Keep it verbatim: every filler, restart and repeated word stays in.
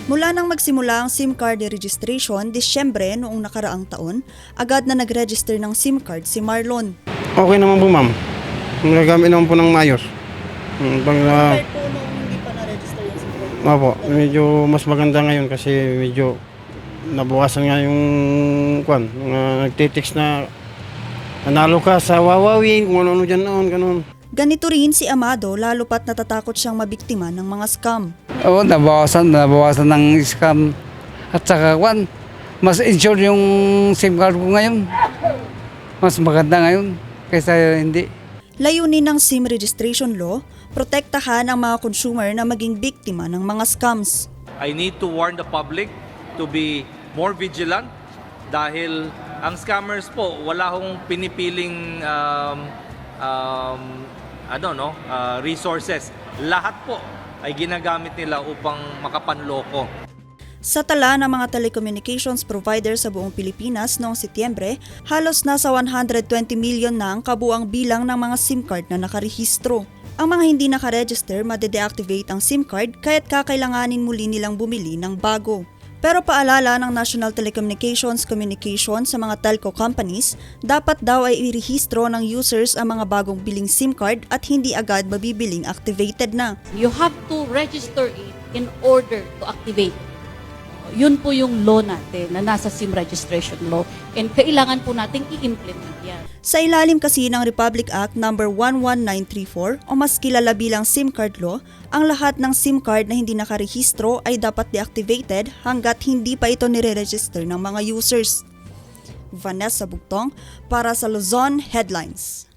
Mula nang magsimula ang SIM card registration Disyembre noong nakaraang taon, agad na nag-register ng SIM card si Marlon. Okay naman po, ma'am. Nagamit naman po ng maayos. Mm, Pag, uh, Compared po noong hindi pa na-register yung SIM card. opo, medyo mas maganda ngayon kasi medyo nabawasan nga yung kwan, mga nagtitext na nanalo ka sa Huawei, kung ano-ano dyan noon, ganun. Ganito rin si Amado lalo pat natatakot siyang mabiktima ng mga scam. Oo, nabawasan, nabawasan ng scam. At saka, kwan, mas insure yung SIM card ko ngayon. Mas maganda ngayon kaysa hindi. Layunin ng SIM registration law, protektahan ang mga consumer na maging biktima ng mga scams. I need to warn the public to be more vigilant dahil ang scammers po wala hong pinipiling um, um, ano no uh, resources. Lahat po ay ginagamit nila upang makapanloko. Sa tala ng mga telecommunications provider sa buong Pilipinas noong Setyembre, halos nasa one hundred twenty million na ang kabuang bilang ng mga SIM card na nakarehistro. Ang mga hindi nakaregister, made-deactivate ang SIM card kaya't kakailanganin muli nilang bumili ng bago. Pero paalala ng National Telecommunications Communication sa mga telco companies, dapat daw ay irehistro ng users ang mga bagong biling SIM card at hindi agad mabibiling activated na. You have to register it in order to activate. Yun po yung law natin na nasa SIM registration law and kailangan po nating i-implement yan. Sa ilalim kasi ng Republic Act number one one nine three four o mas kilala bilang SIM card law, ang lahat ng SIM card na hindi nakarehistro ay dapat deactivated hanggat hindi pa ito nire-register ng mga users. Vanessa Bugtong para sa Luzon Headlines.